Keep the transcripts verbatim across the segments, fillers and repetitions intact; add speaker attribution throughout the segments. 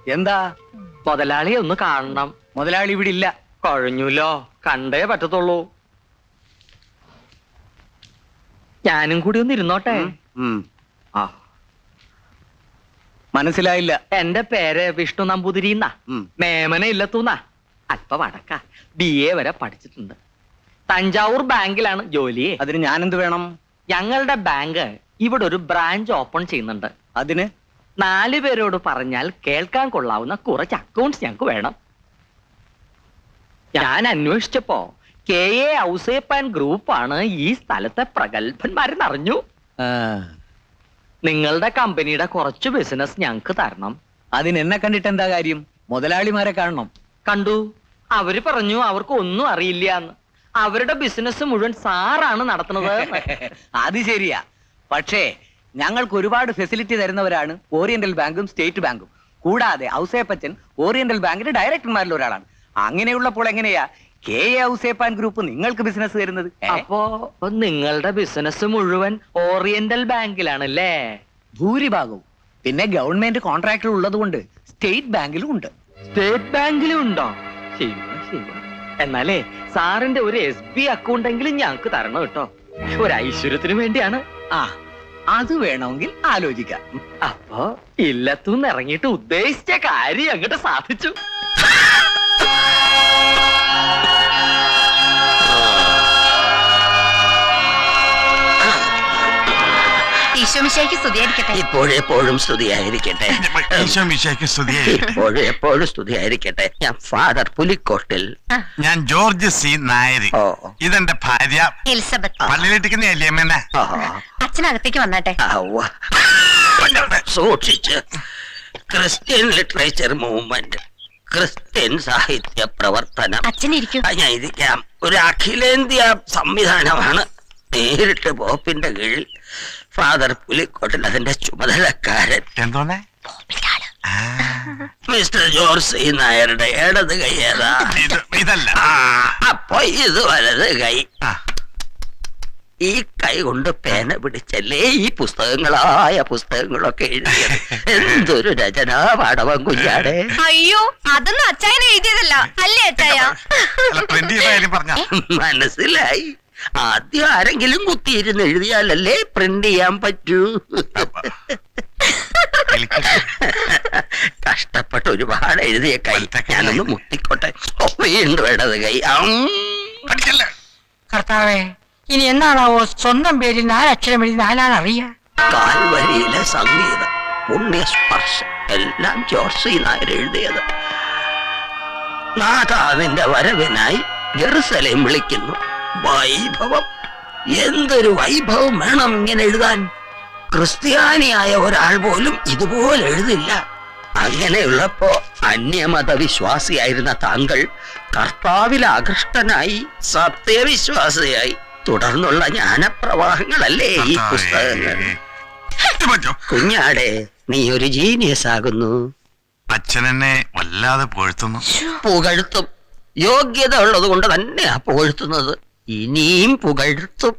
Speaker 1: എന്താ?
Speaker 2: മുതലാളിയെ ഒന്ന് കാണണം.
Speaker 1: മുതലാളി ഇവിടെ ഇല്ല.
Speaker 2: കഴിഞ്ഞുല്ലോ, കണ്ടേ പറ്റത്തുള്ളൂ. ഞാനും കൂടി ഒന്ന് ഇരുന്നോട്ടെ.
Speaker 1: ആ മനസ്സിലായില്ല.
Speaker 2: എന്റെ പേര് വിഷ്ണു നമ്പൂതിരി എന്നാ. മേമന ഇല്ലത്തൂന്നാ. അല്പ വടക്ക. ബി എ വരെ പഠിച്ചിട്ടുണ്ട്. തഞ്ചാവൂർ ബാങ്കിലാണ് ജോലി.
Speaker 1: അതിന് ഞാനെന്ത് വേണം?
Speaker 2: ഞങ്ങളുടെ ബാങ്ക് ഇവിടെ ഒരു ബ്രാഞ്ച് ഓപ്പൺ ചെയ്യുന്നുണ്ട്.
Speaker 1: അതിന്
Speaker 2: നാലു പേരോട് പറഞ്ഞാൽ കേൾക്കാൻ കൊള്ളാവുന്ന കുറച്ച് അക്കൗണ്ട്സ് ഞങ്ങൾക്ക് വേണം. ഞാൻ അന്വേഷിച്ചപ്പോ കെ എ ഔസേപ്പ് ആൻഡ് ഗ്രൂപ്പാണ് ഈ സ്ഥലത്തെ പ്രഗത്ഭന്മാരെന്ന് അറിഞ്ഞു. നിങ്ങളുടെ കമ്പനിയുടെ കുറച്ച് ബിസിനസ് ഞങ്ങൾക്ക് തരണം.
Speaker 1: അതിന് എന്നെ കണ്ടിട്ട് എന്താ കാര്യം? മുതലാളിമാരെ കാണണം.
Speaker 2: കണ്ടു. അവര് പറഞ്ഞു അവർക്ക് ഒന്നും അറിയില്ല എന്ന്. അവരുടെ ബിസിനസ് മുഴുവൻ സാറാണ് നടത്തുന്നത്.
Speaker 1: അത് ശരിയാ. പക്ഷേ ഞങ്ങൾക്ക് ഒരുപാട് ഫെസിലിറ്റി തരുന്നവരാണ് ഓറിയന്റൽ ബാങ്കും സ്റ്റേറ്റ് ബാങ്കും. കൂടാതെ ഔസേപ്പച്ചൻ ഓറിയന്റൽ ബാങ്കിന്റെ ഡയറക്ടർമാരിൽ ഒരാളാണ്. അങ്ങനെയുള്ളപ്പോൾ എങ്ങനെയാ K A Ouseph and group നിങ്ങൾക്ക് ബിസിനസ് തരുന്നത്?
Speaker 2: അപ്പോ നിങ്ങളുടെ ബിസിനസ് മുഴുവൻ ഓറിയന്റൽ ബാങ്കിലാണല്ലേ?
Speaker 1: ഭൂരിഭാഗവും. പിന്നെ ഗവൺമെന്റ് കോൺട്രാക്ടർ ഉള്ളത് കൊണ്ട് സ്റ്റേറ്റ് ബാങ്കിലും ഉണ്ട്.
Speaker 2: സ്റ്റേറ്റ് ബാങ്കിലും ഉണ്ടോ? ശരി ശരി. എന്നാലേ സാറിന്റെ ഒരു എസ് ബി അക്കൗണ്ട് എങ്കിലും ഞങ്ങൾക്ക് തരണം കേട്ടോ. ഒരു ഐശ്വര്യത്തിന് വേണ്ടിയാണ്.
Speaker 1: ആ അത് വേണമെങ്കിൽ ആലോചിക്കാം.
Speaker 2: അപ്പോ ഇല്ലത്തുനിന്ന് ഇറങ്ങിയിട്ട് ഉദ്ദേശിച്ച കാര്യം അങ്ങോട്ട് സാധിച്ചു.
Speaker 3: ഇപ്പോഴെപ്പോഴും സ്തുതിയായിരിക്കട്ടെ. ഇപ്പോഴെപ്പോഴും സ്തുതിയായിരിക്കട്ടെ. ഞാൻ ഫാദർ പുലിക്കോട്ടിൽ.
Speaker 4: ഞാൻ ജോർജ് സി നായരി. ഇതെന്റെ ഭാര്യ
Speaker 5: എലിസബത്ത്.
Speaker 4: പള്ളിയിലിട്ടിക്കുന്നല്ലേ?
Speaker 5: അച്ഛനകത്തേക്ക് വന്നാട്ടെ.
Speaker 3: സൂക്ഷിച്ച്. ക്രിസ്ത്യൻ ലിറ്ററേച്ചർ മൂവ്മെന്റ്, ക്രിസ്ത്യൻ സാഹിത്യ പ്രവർത്തനം.
Speaker 5: അച്ഛനിരിക്കും.
Speaker 3: ഞാൻ ഇരിക്കാം. ഒരു അഖിലേന്ത്യാ സംവിധാനമാണ്. നേരിട്ട് പോപ്പിന്റെ കീഴിൽ ഫാദർ പുലിക്കോട്ടിൽ അതിന്റെ ചുമതലക്കാരൻ.
Speaker 4: എന്തോന്നെ?
Speaker 3: മിസ്റ്റർ ജോർജ് സി നായരുടെ ഇടത് കൈ ഏതാ?
Speaker 4: ഇതല്ല.
Speaker 3: അപ്പൊ ഇത് വലത് കൈ. ഈ കൈ കൊണ്ട് പേന പിടിച്ചല്ലേ ഈ പുസ്തകങ്ങളായ പുസ്തകങ്ങളൊക്കെ എഴുതിയത്. എന്തൊരു രചനാ പാടവം കുഞ്ഞാടെ.
Speaker 5: അയ്യോ, അതൊന്നും അച്ചായന എഴുതിയതല്ല അല്ലേ അച്ചായ?
Speaker 3: മനസ്സിലായി. ആദ്യം ആരെങ്കിലും കുത്തിയിരുന്ന് എഴുതിയാലല്ലേ പ്രിന്റ് ചെയ്യാൻ പറ്റൂ. കഷ്ടപ്പെട്ട് ഒരുപാട് എഴുതിയ കൈ. ഞാനൊന്ന് മുത്തിക്കോട്ടെ. വീണ്ടും ഇടത് കൈ.
Speaker 6: കർത്താവേ, ഇനി എന്നാണാവോ സ്വന്തം പേരിൽ നാലക്ഷരം എഴുതി നാലാണറിയാ?
Speaker 3: കാൽവരിയിലെ സംഗീതം, പുണ്യസ്പർശം എല്ലാം ജോർജ് സി നായർ എഴുതിയത്. നാഥ നിന്റെ വരവിനായി ജെറുസലേം വിളിക്കുന്നു. വൈഭവം, എന്തൊരു വൈഭവം വേണം ഇങ്ങനെ എഴുതാൻ. ക്രിസ്ത്യാനിയായ ഒരാൾ പോലും ഇതുപോലെ എഴുതില്ല. അങ്ങനെയുള്ളപ്പോ അന്യമത വിശ്വാസിയായിരുന്ന താങ്കൾ കർത്താവിൽ ആകൃഷ്ടനായി സത്യവിശ്വാസിയായി. തുടർന്നുള്ള ജ്ഞാനപ്രവാഹങ്ങളല്ലേ ഈ പുസ്തകങ്ങൾ. കുഞ്ഞാടെ, നീ ഒരു ജീനിയസ് ആകുന്നു.
Speaker 4: അച്ഛനെന്നെ വല്ലാതെ പുകഴ്ത്തുന്നു.
Speaker 3: പുകഴ്ത്തും. യോഗ്യത ഉള്ളത് കൊണ്ട് തന്നെയാ പുകഴ്ത്തുന്നത്. ഇനിയും പുകഴ്ത്തും.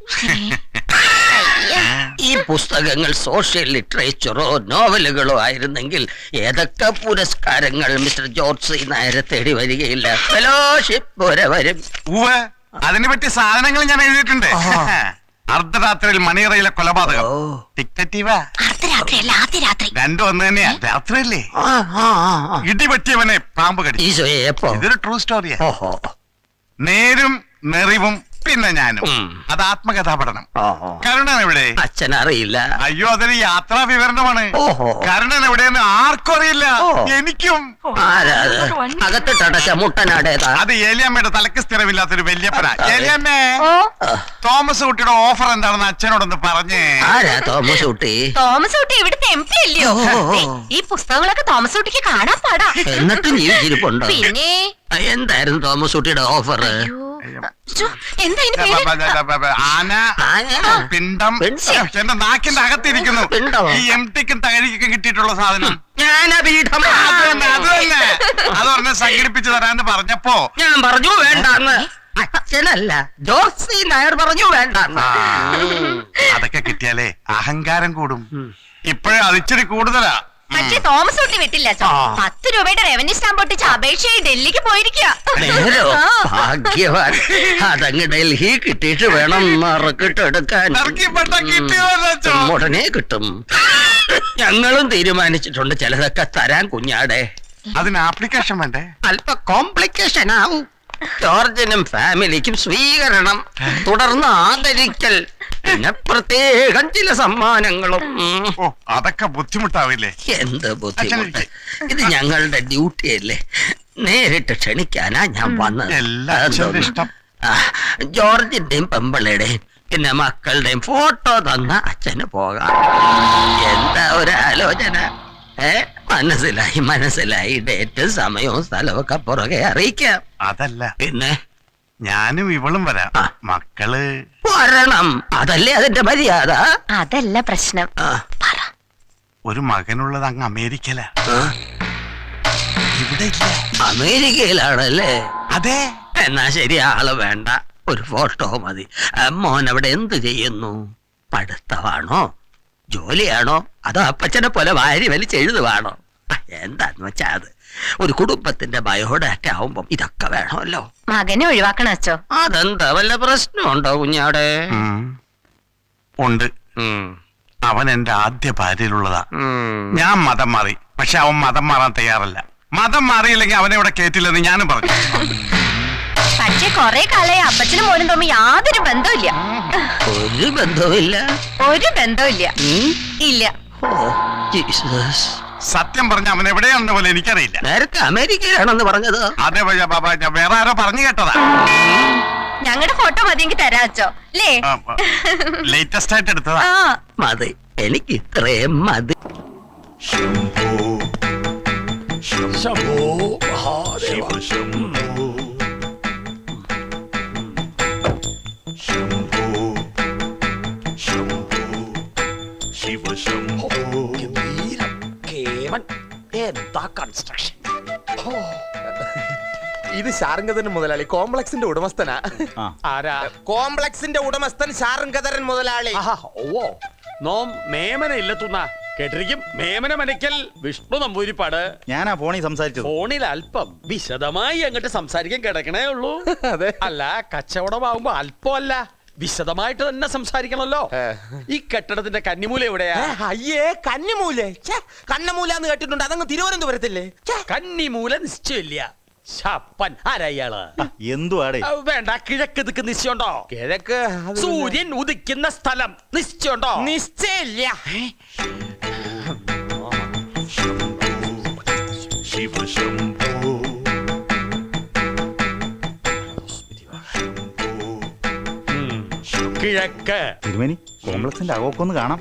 Speaker 3: ഈ പുസ്തകങ്ങൾ സോഷ്യൽ ലിറ്ററേച്ചറോ നോവലുകളോ ആയിരുന്നെങ്കിൽ ഏതൊക്കെ പുരസ്കാരങ്ങൾ മിസ്റ്റർ ജോർജ് സി നായരെ തേടി വരികയില്ല. ഫെലോഷിപ്പ് വരെ വരും.
Speaker 4: അതിനെ പറ്റി സാധനങ്ങൾ ഞാൻ എഴുതിയിട്ടുണ്ട്. അർദ്ധരാത്രിയിൽ മണിയറയിലെ കൊലപാതകം. രണ്ടും ഒന്ന് തന്നെയാ. രാത്രിയല്ലേ? ഇടിപറ്റിയവനെ പാമ്പ് കടിച്ചു. ഇതൊരു ട്രൂ സ്റ്റോറിയാ. നേരും നെറിവും പിന്നെ ഞാനും. അത് ആത്മകഥാ പഠനം. കരുണൻ എവിടെ?
Speaker 3: അച്ഛൻ അറിയില്ല.
Speaker 4: അയ്യോ, അതൊരു യാത്രാ വിവരണമാണ്. കരുണൻ എവിടെയെന്ന് ആർക്കും അറിയില്ല. എനിക്കും.
Speaker 3: അകത്തിട്ടടച്ച മുട്ടനാടേതാ?
Speaker 4: അത് ഏലിയമ്മയുടെ തലക്ക് സ്ഥിരമില്ലാത്തൊരു വല്യപ്പന. ഏലിയമ്മേ, തോമസ് കുട്ടിയുടെ ഓഫർ എന്താണെന്ന് അച്ഛനോടൊന്ന് പറഞ്ഞേ.
Speaker 3: ആരാ തോമസ് കുട്ടി?
Speaker 5: തോമസ് കുട്ടി ഇവിടുത്തെ എം പി അല്ലയോ? ഈ പുസ്തകങ്ങളൊക്കെ തോമസ് കുട്ടിക്ക് കാണാൻ പാടാ.
Speaker 3: എന്നിട്ട് ജീവിച്ചിരിപ്പുണ്ടോ?
Speaker 5: പിന്നെ
Speaker 3: എന്തായിരുന്നു തോമസ് കുട്ടിയുടെ ഓഫർ?
Speaker 4: ആന, പിണ്ടം, എന്റെ നാക്കിന്റെ അകത്തിരിക്കുന്നു. ഈ എം ടിക്കും തകരിക്കും കിട്ടിയിട്ടുള്ള സാധനം
Speaker 3: ജ്ഞാനപീഠം.
Speaker 4: അത് തന്നെ, അത് തന്നെ. അത് പറഞ്ഞ് സംഘടിപ്പിച്ചു തരാന്ന് പറഞ്ഞപ്പോ
Speaker 3: ഞാൻ പറഞ്ഞു വേണ്ടാന്ന്. അച്ഛനല്ല, ജോർജ് സി നായർ പറഞ്ഞു വേണ്ടാന്ന്.
Speaker 4: അതൊക്കെ കിട്ടിയാലേ അഹങ്കാരം കൂടും. ഇപ്പോഴേ അതിച്ചിരി കൂടുതലാ.
Speaker 5: പക്ഷേ തോമസ് കുട്ടി വിട്ടില്ല അച്ഛോ.
Speaker 3: ആ.
Speaker 5: പത്ത് രൂപയുടെ റവന്യൂ സ്റ്റാമ്പ് ഒട്ടിച്ച് അപേക്ഷയായി ഡൽഹിക്ക് പോയിരിക്കുക.
Speaker 3: നേരോ ഭാഗ്യവാൻ. അതങ്ങ് ഡൽഹി കിട്ടിയിട്ട് വേണം മറക്കിട്ടെടുക്കാൻ.
Speaker 4: ഇറക്കിപ്പെട്ട കിട്ടിയതല്ലോ അച്ഛോ.
Speaker 3: ഉടനെ കിട്ടും. ഞങ്ങളും തീരുമാനിച്ചിട്ടുണ്ട് ചിലതൊക്കെ തരാൻ കുഞ്ഞാടെ.
Speaker 4: അതിന് ആപ്ലിക്കേഷൻ വേണ്ടേ?
Speaker 3: അല്പ കോംപ്ലിക്കേഷൻ ആവും. ജോർജിനും ഫാമിലിക്കും സ്വീകരണം, തുടർന്ന് ആദരിക്കൽ, പിന്നെ പ്രത്യേകം ചില സമ്മാനങ്ങളും. ഉം.
Speaker 4: ഓ അതൊക്കെ ബുദ്ധിമുട്ടാവില്ലേ?
Speaker 3: എന്ത് ബുദ്ധിമുട്ട്. ഇത് ഞങ്ങളുടെ ഡ്യൂട്ടി അല്ലേ. നേരിട്ട് ക്ഷണിക്കാനാ ഞാൻ വന്നത്.
Speaker 4: എല്ലാ അച്ഛന്റെ ഇഷ്ടം.
Speaker 3: ആ, ജോർജിന്റെയും പെമ്പിളയുടെയും പിന്നെ മക്കളുടെയും ഫോട്ടോ തന്ന അച്ഛന് പോകാം. എന്താ ഒരു ആലോചന? ഏ മനസ്സിലായി മനസ്സിലായി. ഡേറ്റും സമയവും സ്ഥലവും ഒക്കെ പുറകെ അറിയിക്കാം.
Speaker 4: അതല്ല,
Speaker 3: പിന്നെ
Speaker 4: ഞാനും ഇവളും വരാം.
Speaker 3: ആ.
Speaker 4: മക്കള്
Speaker 3: വരണം, അതല്ലേ അതിന്റെ മര്യാദ.
Speaker 5: അതല്ല പ്രശ്നം.
Speaker 3: ആ,
Speaker 4: ഒരു മകനുള്ളത് അങ്ങ് അമേരിക്കല.
Speaker 3: ആ,
Speaker 4: ഇവിടെ ഇല്ല.
Speaker 3: അമേരിക്കയിലാണല്ലേ?
Speaker 4: അതെ.
Speaker 3: എന്നാ ശരി, ആള് വേണ്ട, ഒരു ഫോട്ടോ മതി. ആ, മോൻ അവിടെ എന്ത് ചെയ്യുന്നു? പഠിത്തമാണോ, ജോലിയാണോ, അതോ അപ്പച്ചനെ പോലെ വാരി വലിച്ചെഴുതുവാണോ? ആ, എന്താന്ന് വെച്ചാ അത് ഒരു കുടുംബത്തിന്റെ ബയോഡാറ്റ ആവുമ്പം ഇതൊക്കെ വേണമല്ലോ.
Speaker 5: മകനെ ഒഴിവാക്കണം അച്ഛോ.
Speaker 3: അതെന്താ വല്ല പ്രശ്നമുണ്ടോ കുഞ്ഞാടെ?
Speaker 4: ഉം. ഉണ്ട്.
Speaker 3: ഉം,
Speaker 4: അവൻ എന്റെ ആദ്യ ഭാര്യയിലുള്ളതാ.
Speaker 3: ഉം.
Speaker 4: ഞാൻ മതം മാറി, പക്ഷെ അവൻ മതം മാറാൻ തയ്യാറല്ല. മതം മാറിയില്ലെങ്കിൽ അവനെ ഇവിടെ കേറ്റില്ലെന്ന് ഞാനും പറഞ്ഞു.
Speaker 5: പക്ഷേ കൊറേ കാലായി അപ്പച്ചനും മോനും തമ്മിൽ യാതൊരു ബന്ധമില്ല.
Speaker 3: ഒരു ബന്ധവുമില്ല.
Speaker 5: ഒരു ബന്ധമില്ല.
Speaker 3: ഉം?
Speaker 5: ഇല്ല.
Speaker 3: ഓ, ജീസസ്.
Speaker 4: സത്യം പറഞ്ഞ അവൻ എവിടെയാണെന്ന് പോലെ എനിക്കറിയില്ല.
Speaker 3: നേരത്തെ അമേരിക്കയിലാണെന്ന് പറഞ്ഞത്.
Speaker 4: അതെ ഭയ്യ, ബാബാ, ഞാൻ വേറെ ആരോ പറഞ്ഞു കേട്ടതാ.
Speaker 5: ഞങ്ങളുടെ ഫോട്ടോ മതിയെങ്കിൽ തരാ അച്ഛോ. അല്ലേ?
Speaker 4: ലേറ്റസ്റ്റ് ആയിട്ട് എടുത്തതാ.
Speaker 5: ആ.
Speaker 3: മതി, എനിക്ക് ഇത്രയും മതി.
Speaker 7: ഇത് ശാരംഗധരൻ മുതലാളി കോംപ്ലക്സിന്റെ ഉടമസ്ഥനാ. ആരാ? കോംപ്ലക്സിന്റെ ഉടമസ്ഥൻ ശാരംഗധരൻ മുതലാളി.
Speaker 8: ഓ നോം മേമന ഇല്ലെത്തുന്ന കേട്ടിരിക്കും. മേമന മനക്കൽ വിഷ്ണു നമ്പൂരിപ്പാട്.
Speaker 9: ഞാനാ ഫോണിൽ സംസാരിച്ചത്.
Speaker 8: ഫോണിൽ അല്പം വിശദമായി അങ്ങോട്ട് സംസാരിക്കാൻ കിടക്കണേ ഉള്ളൂ.
Speaker 7: അതെ.
Speaker 8: അല്ല, കച്ചവടമാകുമ്പോ അല്പമല്ല, വിശദമായിട്ട് തന്നെ സംസാരിക്കണല്ലോ. ഈ കെട്ടിടത്തിന്റെ കന്നിമൂല എവിടെയാ?
Speaker 7: ഏ, അയ്യേ കന്നിമൂലേ. കണ്ണമൂല എന്ന് കേട്ടിട്ടുണ്ട്. അതങ്ങ് തിരുവനന്തപുരത്തല്ലേ?
Speaker 8: കന്നിമൂല നിശ്ചയില്ല. ശപ്പൻ ആരാ ഇയാള്?
Speaker 9: എന്തുവാടേ?
Speaker 8: ആ, വേണ്ട, കിഴക്ക് ദിക്ക് നിശ്ചയുണ്ടോ?
Speaker 7: കിഴക്ക് അത്
Speaker 8: സൂര്യൻ ഉദിക്കുന്ന സ്ഥലം നിശ്ചയുണ്ടോ?
Speaker 7: നിശ്ചയില്ല.
Speaker 8: ഉം. കിഴക്ക്
Speaker 9: തിരുമേനി, കോംപ്ലക്സിന്റെ അകമൊക്കെ കാണാം.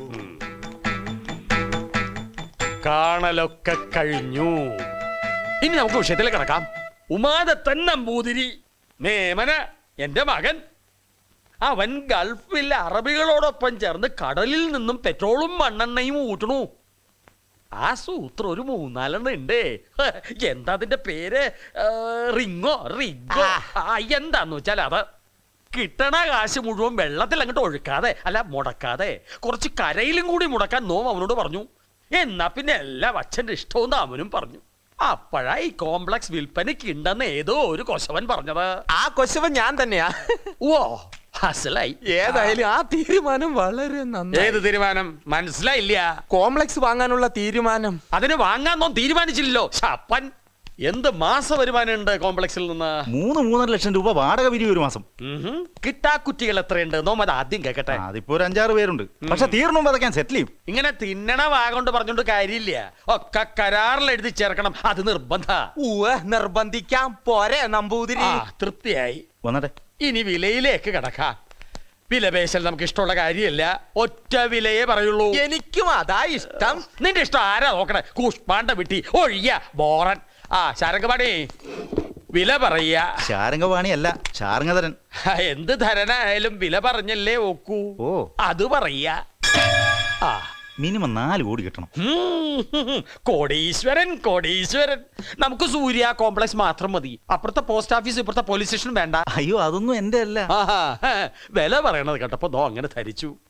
Speaker 8: കാണലൊക്കെ കഴിഞ്ഞു. ഇനി നമുക്ക് വിഷയത്തിലേക്ക് കിടക്കാം. ഉമാദത്തൻ നമ്പൂതിരി മേമന എന്റെ മകൻ. അവൻ ഗൾഫിൽ അറബികളോടൊപ്പം ചേർന്ന് കടലിൽ നിന്നും പെട്രോളും മണ്ണെണ്ണയും ഊറ്റണു. ആ സൂത്രം ഒരു മൂന്നാലെണ്ണം ഉണ്ട്. എന്താ അതിന്റെ പേര്? ഏ, റിങ്ങോ റിഗോ ആ, എന്താന്ന് വെച്ചാൽ അത് കിട്ടണ കാശ് മുഴുവൻ വെള്ളത്തിൽ അങ്ങോട്ട് ഒഴുക്കാതെ, അല്ല മുടക്കാതെ, കുറച്ച് കരയിലും കൂടി മുടക്കാൻ നോം അവനോട് പറഞ്ഞു. എന്നാ പിന്നെ എല്ലാ അച്ഛന്റെ ഇഷ്ടവും അവനും പറഞ്ഞു. അപ്പോഴാ ഈ കോംപ്ലക്സ് വിൽപ്പനയ്ക്ക് ഉണ്ടെന്ന് ഏതോ ഒരു കൊശവൻ പറഞ്ഞത്.
Speaker 7: ആ കൊശവൻ ഞാൻ തന്നെയാ.
Speaker 8: ഓ അസലായി.
Speaker 7: ഏതായാലും ആ തീരുമാനം വളരെ നന്നായി.
Speaker 8: ഏത് തീരുമാനം? മനസ്സിലായില്ല.
Speaker 7: കോംപ്ലക്സ് വാങ്ങാനുള്ള തീരുമാനം.
Speaker 8: അതിന് വാങ്ങാന്നോ തീരുമാനിച്ചില്ലല്ലോ. ശപ്പൻ. എന്ത് മാസ വരുമാനം ഉണ്ട് കോംപ്ലക്സിൽ നിന്ന്?
Speaker 9: മൂന്ന് മൂന്നര ലക്ഷം രൂപ വാടക പിരിവ് ഒരു മാസം.
Speaker 8: ഉഹും. കിട്ടാക്കുറ്റികൾ എത്രയുണ്ട്? നോം അത് ആദ്യം കേക്കട്ടെ.
Speaker 9: അതിപ്പോ ഒരു അഞ്ചാറ് പേരുണ്ട്. പക്ഷെ തീർന്നു അതൊക്കെ സെറ്റിൽ ചെയ്യും.
Speaker 8: ഇങ്ങനെ തിന്നണ വാഗോണ്ട് പറഞ്ഞോണ്ട് കാര്യമില്ല. ഒക്കെ കരാറിൽ എഴുതി ചേർക്കണം. അത് നിർബന്ധ.
Speaker 7: ഉവ്വ്, നിർബന്ധിക്കാം. പോരെ നമ്പൂതിരി?
Speaker 8: ആ, തൃപ്തിയായി.
Speaker 9: വന്നട്ടെ.
Speaker 8: ഇനി വിലയിലേക്ക് കടക്കാം. വിലപേശൽ നമുക്ക് ഇഷ്ടമുള്ള കാര്യമല്ല. ഒറ്റ വിലയെ പറയുള്ളൂ.
Speaker 7: എനിക്കും അതാ ഇഷ്ടം.
Speaker 8: നിന്റെ ഇഷ്ടം ആരാ നോക്കണേ? കൂഷ്പാണ്ട വിട്ടി ഒഴിയ ബോറൻ. ആ ശാരംഗപാണി, വില പറയ.
Speaker 9: ശാരംഗവാണി അല്ല, ശാരംഗധരൻ.
Speaker 8: എന്ത് ധരനായാലും വില പറഞ്ഞല്ലേ ഒക്കൂ.
Speaker 9: ഓ.
Speaker 8: അത് പറയ. ആ
Speaker 9: മിനിമം നാല് കോടി കിട്ടണം.
Speaker 8: ഉം. കോടീശ്വരൻ കോടീശ്വരൻ. നമുക്ക് സൂര്യ കോംപ്ലക്സ് മാത്രം മതി. അപ്പുറത്തെ പോസ്റ്റ് ഓഫീസ്, ഇപ്പുറത്തെ പോലീസ് സ്റ്റേഷൻ വേണ്ട.
Speaker 9: അയ്യോ, അതൊന്നും എന്റെ അല്ല.
Speaker 8: ആഹാ, വില പറയണത് കേട്ടപ്പോ ദോ അങ്ങനെ ധരിച്ചു.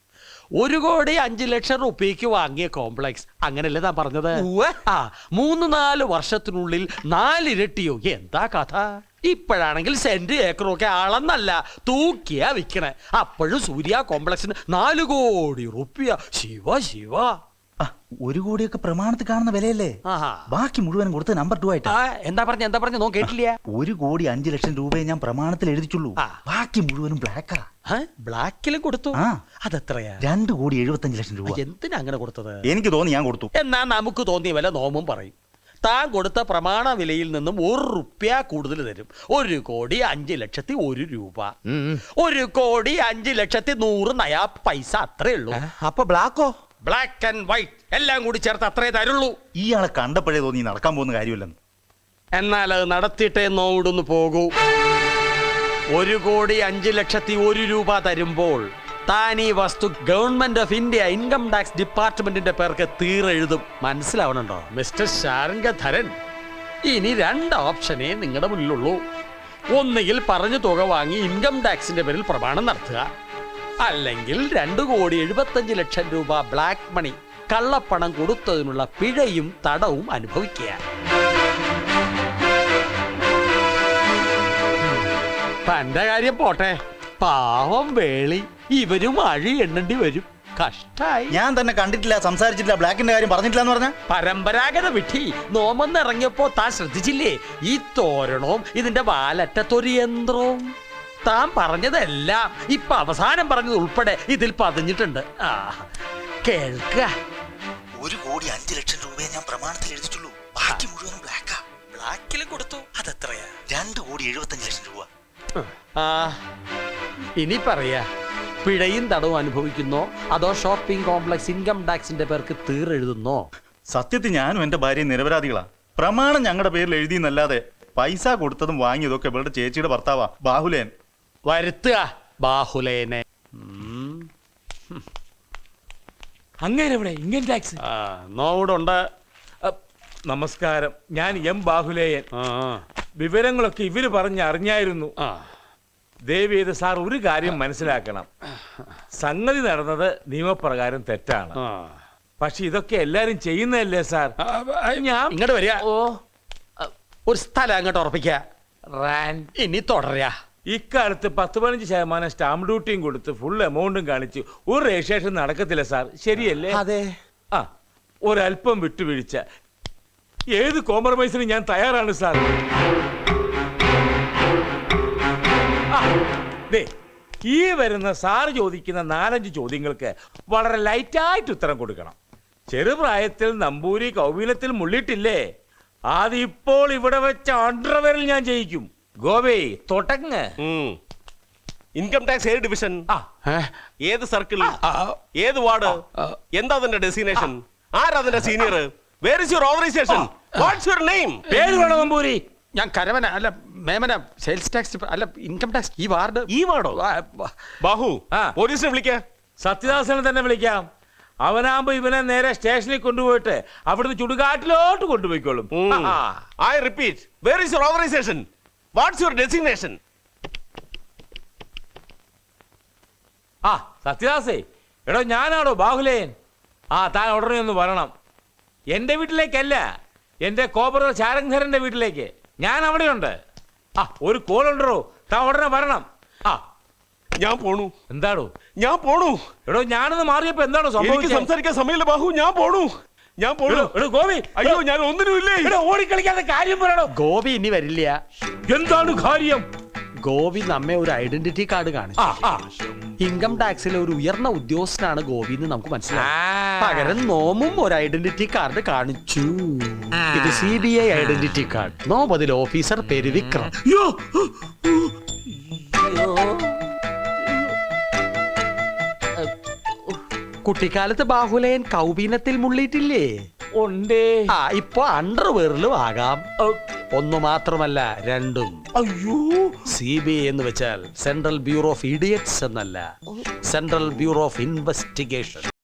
Speaker 8: ഒരു കോടി അഞ്ചു ലക്ഷം റുപ്യക്ക് വാങ്ങിയ കോംപ്ലക്സ് അങ്ങനല്ലേ താൻ പറഞ്ഞത്? ആ മൂന്ന് നാല് വർഷത്തിനുള്ളിൽ നാലിരട്ടിയോ എന്താ കഥ? ഇപ്പോഴാണെങ്കിൽ സെന്റ് ഏക്കറും ഒക്കെ അളന്നല്ല തൂക്കിയാ വിൽക്കണേ. അപ്പോഴും സൂര്യ കോംപ്ലക്സിന് നാല് കോടി റുപ്യ. ശിവ ശിവ.
Speaker 9: ആ, ഒരു കോടിയൊക്കെ പ്രമാണത്തിൽ കാണുന്ന വിലയല്ലേ?
Speaker 8: ആഹാ.
Speaker 9: ബാക്കി മുഴുവനും കൊടുത്ത് നമ്പർ ടു ആയിട്ട്.
Speaker 8: ആ, എന്താ പറഞ്ഞ എന്താ പറഞ്ഞ നോ കേട്ടില്ല.
Speaker 9: ഒരു കോടി അഞ്ചു ലക്ഷം രൂപയെ ഞാൻ പ്രമാണത്തിൽ എഴുതിച്ചുള്ളൂ.
Speaker 8: ആ.
Speaker 9: ബാക്കി മുഴുവനും ബ്ലാക്കാ.
Speaker 8: ബ്ലാക്കിലും കൊടുത്തു?
Speaker 9: ആ.
Speaker 8: അതെത്രയാ?
Speaker 9: രണ്ട് കോടി എഴുപത്തഞ്ച് ലക്ഷം രൂപ.
Speaker 8: എന്തിനാ അങ്ങനെ കൊടുത്തത്?
Speaker 9: എനിക്ക് തോന്നി ഞാൻ കൊടുത്തു.
Speaker 8: എന്നാ നമുക്ക് തോന്നിയ വില നോമും പറയും. താൻ കൊടുത്ത പ്രമാണ വിലയിൽ നിന്നും ഒരു റുപ്യ കൂടുതൽ തരും. ഒരു കോടി അഞ്ചു ലക്ഷത്തി ഒരു രൂപ. ഒരു കോടി അഞ്ചു ലക്ഷത്തി നൂറ് നയാ പൈസ അത്രേ ഉള്ളൂ.
Speaker 7: അപ്പൊ ബ്ലാക്കോ?
Speaker 8: ബ്ലാക്ക് ആൻഡ് വൈറ്റ് എല്ലാം കൂടി ചേർത്ത് അത്രേ തരുള്ളൂ.
Speaker 9: ഇയാളെ കണ്ടപ്പോഴേ തോന്നി നടക്കാൻ പോകുന്ന കാര്യമല്ലെന്ന്.
Speaker 8: എന്നാൽ അത് നടത്തിയിട്ടേ നോവിടുന്ന് പോകൂ. ഒരു കോടി അഞ്ചു ലക്ഷത്തി ഒരു രൂപ തരുമ്പോൾ താൻ ഈ വസ്തു government of India income tax ഡിപ്പാർട്ട്മെന്റിന്റെ പേർക്ക് തീരെഴുതും. മനസ്സിലാവണുണ്ടോ മിസ്റ്റർ ശാരംഗധരൻ? ഇനി രണ്ട് ഓപ്ഷനേ നിങ്ങളുടെ മുന്നിലുള്ളൂ. ഒന്നുകിൽ പറഞ്ഞ തുക വാങ്ങി ഇൻകം ടാക്സിന്റെ പേരിൽ പ്രമാണം നടത്തുക, അല്ലെങ്കിൽ രണ്ടു കോടി എഴുപത്തഞ്ച് ലക്ഷം രൂപ ബ്ലാക്ക് മണി കള്ളപ്പണം കൊടുത്തതിനുള്ള പിഴയും തടവും അനുഭവിക്കുക. തന്റെ കാര്യം പോട്ടെ, പാവം വേളി ഇവരും അഴി എണ്ണേണ്ടി വരും. കഷ്ടായി.
Speaker 9: ഞാൻ തന്നെ കണ്ടിട്ടില്ല, സംസാരിച്ചിട്ടില്ല, ബ്ലാക്കിന്റെ കാര്യം പറഞ്ഞിട്ടില്ല എന്ന് പറഞ്ഞ
Speaker 8: പരമ്പരാഗത വിധി നോമെന്നിറങ്ങിയപ്പോ താൻ ശ്രദ്ധിച്ചില്ലേ? ഈ തോരണവും ഇതിന്റെ വാലറ്റത്തൊരു യന്ത്രവും. താൻ പറഞ്ഞതെല്ലാം ഇപ്പൊ അവസാനം പറഞ്ഞത് ഉൾപ്പെടെ ഇതിൽ പതിഞ്ഞിട്ടുണ്ട്. ആ കേൾക്ക.
Speaker 9: ഒരു കോടി അഞ്ചു ലക്ഷം രൂപയെ ഞാൻ പ്രമാണത്തിൽ എഴുതിച്ചുള്ളൂ. ബാക്കി മുഴുവനും ബ്ലാക്കാ.
Speaker 8: ബ്ലാക്കിലും കൊടുത്തു. അതെത്രയാ?
Speaker 9: രണ്ട് കോടി എഴുപത്തഞ്ച് ലക്ഷം രൂപ.
Speaker 8: ആ ഇനി പറയാ, പിഴയും തടവും അനുഭവിക്കുന്നോ അതോ ഷോപ്പിംഗ് കോംപ്ലക്സ് ഇൻകം ടാക്സിന്റെ പേർക്ക് തീരെഴുതുന്നോ?
Speaker 9: സത്യത്തിൽ ഞാനും എന്റെ ഭാര്യയും നിരപരാധികളാ. പ്രമാണം ഞങ്ങളുടെ പേരിൽ എഴുതിയെന്നല്ലാതെ പൈസ കൊടുത്തതും വാങ്ങിയതൊക്കെ ഇവളുടെ ചേച്ചിയുടെ ഭർത്താവാ ബാഹുലേൻ.
Speaker 8: വരുത്തുക ബാഹുലേനെ.
Speaker 10: അങ്ങനെ ഇവിടെ ഇൻകം ടാക്സ്
Speaker 8: നോവുടുണ്ട്.
Speaker 10: നമസ്കാരം, ഞാൻ എം ബാഹുലേയൻ.
Speaker 8: ആ
Speaker 10: വിവരങ്ങളൊക്കെ ഇവര് പറഞ്ഞ് അറിഞ്ഞായിരുന്നു.
Speaker 8: ആ
Speaker 10: ദേവിയത് സാർ ഒരു കാര്യം മനസ്സിലാക്കണം. സംഗതി നടന്നത് നിയമപ്രകാരം തെറ്റാണ്.
Speaker 8: ആ.
Speaker 10: പക്ഷെ ഇതൊക്കെ എല്ലാരും ചെയ്യുന്നതല്ലേ സാർ?
Speaker 8: ഞാൻ ഇങ്ങോട്ട് വരിക. ഓ ഒരു സ്ഥലം അങ്ങോട്ട് ഉറപ്പിക്ക. ഇനി തുടരാ.
Speaker 10: ഇക്കാലത്ത് പത്ത് പതിനഞ്ച് ശതമാനം സ്റ്റാമ്പ് ഡ്യൂട്ടിയും കൊടുത്ത് ഫുൾ എമൗണ്ടും കാണിച്ച് ഒരു രജിസ്ട്രേഷൻ നടക്കത്തില്ല സാർ, ശരിയല്ലേ?
Speaker 7: അതെ.
Speaker 10: ആ ഒരല്പം വിട്ടുവീഴ്ച, ഏത് കോംപ്രമൈസിന് ഞാൻ തയ്യാറാണ് സാർ. ആ, ദേ, ഈ വരുന്ന സാറ് ചോദിക്കുന്ന നാലഞ്ച് ചോദ്യങ്ങൾക്ക് വളരെ ലൈറ്റായിട്ട് ഉത്തരം കൊടുക്കണം. ചെറുപ്രായത്തിൽ നമ്പൂരി കൗവീനത്തിൽ മുള്ളിട്ടില്ലേ? അതിപ്പോൾ ഇവിടെ വെച്ച അണ്ടർവെയറിൽ ഞാൻ ജയിക്കും. ഗോവേ തൊട്ടങ്ങ്.
Speaker 11: ഇൻകം ടാക്സ് ഏത് ഡിവിഷൻ? ഏത് സർക്കിൾ? ഏത് വാർഡ്? എന്താ അതിന്റെ ഡെസിഗ്നേഷൻ? ആരാ അതിന്റെ senior? Where is your authorization? What's your name?
Speaker 10: പേര് വേണം നമ്പൂരി.
Speaker 8: ഞാൻ കരവന അല്ല മേമന സെയിൽസ് ടാക്സ് അല്ല ഇൻകം ടാക്സ്. ഈ വാർഡ്
Speaker 11: ഈ വാർഡോ? ബാഹു
Speaker 10: ആ.
Speaker 11: പോലീസിനെ വിളിക്ക.
Speaker 10: സത്യദാസനെ തന്നെ വിളിക്കാം. അവനാകുമ്പോ ഇവനെ നേരെ സ്റ്റേഷനിൽ കൊണ്ടുപോയിട്ട് അവിടുന്ന് ചുടുകാട്ടിലോട്ട് കൊണ്ടുപോയിക്കോളും.
Speaker 11: I repeat, where is your authorization? What's your designation?
Speaker 10: ആ സത്യദാസേ, എടോ ഞാനാണോ ബാഹുലേയൻ? ആ താൻ ഉടനെ ഒന്ന് വരണം. എന്റെ വീട്ടിലേക്കല്ല, എന്റെ കോപ്പറ ശാരംഗധരന്റെ വീട്ടിലേക്ക്. ഞാൻ അവിടെയുണ്ട്. ആ ഒരു കോൾ ഉണ്ടോ? താൻ ഉടനെ വരണം. ആ
Speaker 11: ഞാൻ പോണു.
Speaker 10: എന്താണോ?
Speaker 11: ഞാൻ പോണു.
Speaker 10: എടോ ഞാനൊന്ന് മാറിയപ്പോ എന്താണോ
Speaker 11: എനിക്ക്
Speaker 10: സംഭവിച്ചത്?
Speaker 11: സംസാരിക്കാൻ സമയമില്ല ബാഹു, ഞാൻ പോണു. ഞാൻ പോണു.
Speaker 10: എടോ ഗോപി,
Speaker 11: അയ്യോ ഞാൻ ഒന്നിനുമില്ലേ.
Speaker 10: എടോ ഓടിക്കളിക്കാതെ കാര്യം പറയണോ.
Speaker 8: ഗോപി ഇനി വരില്ല.
Speaker 10: എന്താണ് കാര്യം?
Speaker 8: ഗോപി നമ്മെ ഒരു ഐഡന്റിറ്റി കാർഡ് കാണിച്ചു.
Speaker 10: ആ ആ
Speaker 8: ഇൻകം ടാക്സിലെ ഒരു ഉയർന്ന ഉദ്യോഗസ്ഥനാണ് ഗോപി എന്ന് നമുക്ക് മനസ്സിലായി. പകരം നോമും ഒരു ഐഡന്റിറ്റി കാർഡ് കാണിച്ചു. ഇത് C B I identity card. നോം അതിൽ ഓഫീസർ പേര് വിക്രം. കുട്ടിക്കാലത്ത് ബാഹുലേയൻ കൗബീനത്തിൽ മുള്ളിയിട്ടില്ലേ?
Speaker 10: ഉണ്ടേ.
Speaker 8: ആ ഇപ്പൊ അണ്ടർവെയറിലും ആകാം. ഒന്നു മാത്രമല്ല രണ്ടും.
Speaker 10: അയ്യോ,
Speaker 8: സി ബി ഐ എന്ന് വെച്ചാൽ സെൻട്രൽ ബ്യൂറോ ഓഫ് ഇഡിയറ്റ്സ് എന്നല്ല, സെൻട്രൽ ബ്യൂറോ ഓഫ് ഇൻവെസ്റ്റിഗേഷൻ.